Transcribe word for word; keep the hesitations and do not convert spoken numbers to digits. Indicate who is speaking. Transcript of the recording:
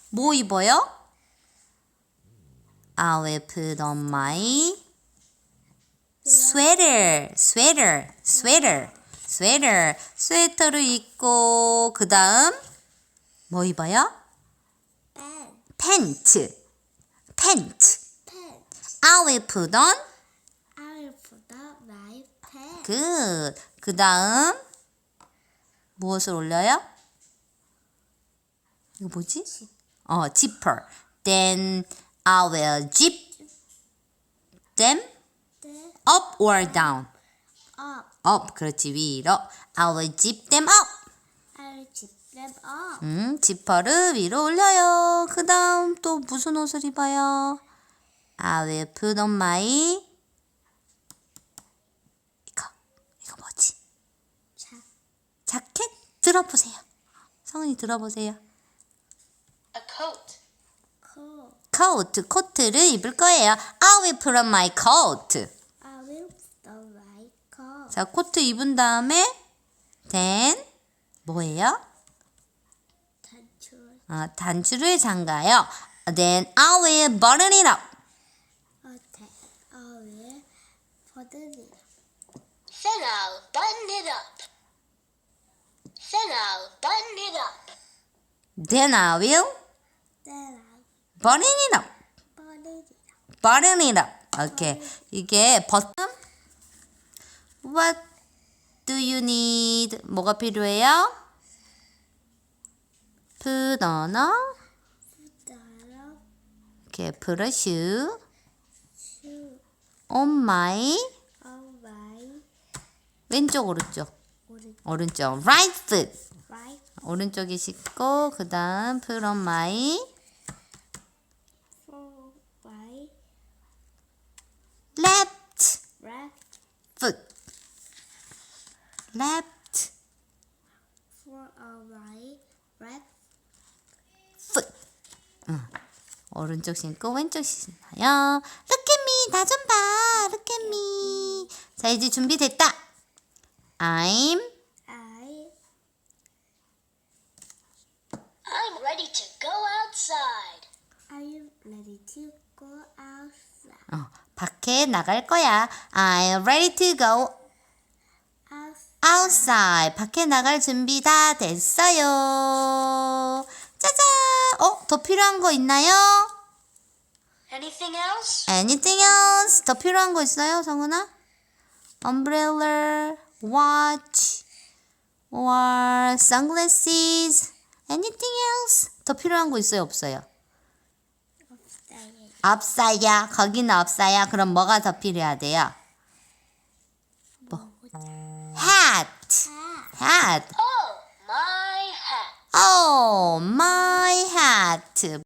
Speaker 1: 뭐 입어요? I will put on my sweater, sweater, sweater, sweater. 스웨터를 입고 그 다음 뭐 입어요?
Speaker 2: pen,
Speaker 1: pant, pant.
Speaker 2: pen.
Speaker 1: I will put on
Speaker 2: I will put on my pen.
Speaker 1: good. 그 다음 무엇을 올려요? 이거 뭐지? 어, zipper. Then I will zip them
Speaker 2: Then
Speaker 1: up or down.
Speaker 2: up.
Speaker 1: up. 그렇지, 위로. I will zip them up.
Speaker 2: I will zip them up.
Speaker 1: 음, 지퍼를 위로 올려요. 그 다음 또 무슨 옷을 입어요? I will put on my 이거, 이거 뭐지?
Speaker 2: 자,
Speaker 1: 자켓? 들어보세요. 성은이 들어보세요.
Speaker 3: A coat.
Speaker 2: coat.
Speaker 1: coat, 코트를 입을 거예요. I will put on my coat.
Speaker 2: I will put on my coat.
Speaker 1: 자, 코트 입은 다음에 then 뭐예요?
Speaker 2: 단추.
Speaker 1: 어, 단추를 잠가요. Then I will button it up.
Speaker 2: 어때? I will button it up.
Speaker 3: Then I'll button it up. Then I'll button it up.
Speaker 1: Then I will
Speaker 2: Then I
Speaker 1: button it up.
Speaker 2: button it up.
Speaker 1: button it up. 오케이. 이게 버튼. What do you need? 뭐가 필요해요? Put on a
Speaker 2: Put on
Speaker 1: 이렇게 put a shoe
Speaker 2: shoe
Speaker 1: on my
Speaker 2: on my
Speaker 1: 왼쪽 오른쪽
Speaker 2: 오른쪽.
Speaker 1: 오른쪽 right foot
Speaker 2: Right
Speaker 1: 오른쪽에 씻고 그 다음 put on my
Speaker 2: for my
Speaker 1: left
Speaker 2: left
Speaker 1: foot left
Speaker 2: for on my left
Speaker 1: foot 응. 오른쪽 신고 왼쪽 신나요. Look at me 나 좀 봐. Look at me. 자 이제 준비됐다. I'm
Speaker 2: I
Speaker 3: I'm ready to go outside.
Speaker 2: are you ready to go outside?
Speaker 1: 어, 밖에 나갈 거야. I'm ready to go
Speaker 2: Outside.
Speaker 1: outside. 밖에 나갈 준비 다 됐어요. 짜잔. 어, 더 필요한 거 있나요?
Speaker 3: Anything else?
Speaker 1: Anything else? 더 필요한 거 있어요, 성은아? Umbrella, watch, or sunglasses. Anything else? 더 필요한 거 있어요, 없어요?
Speaker 2: Outside.
Speaker 1: 없어요. 거기는 없어요. 그럼 뭐가 더 필요하대요? 뭐? Hat. Hat.
Speaker 3: Oh, my hat.
Speaker 1: Oh, my hat.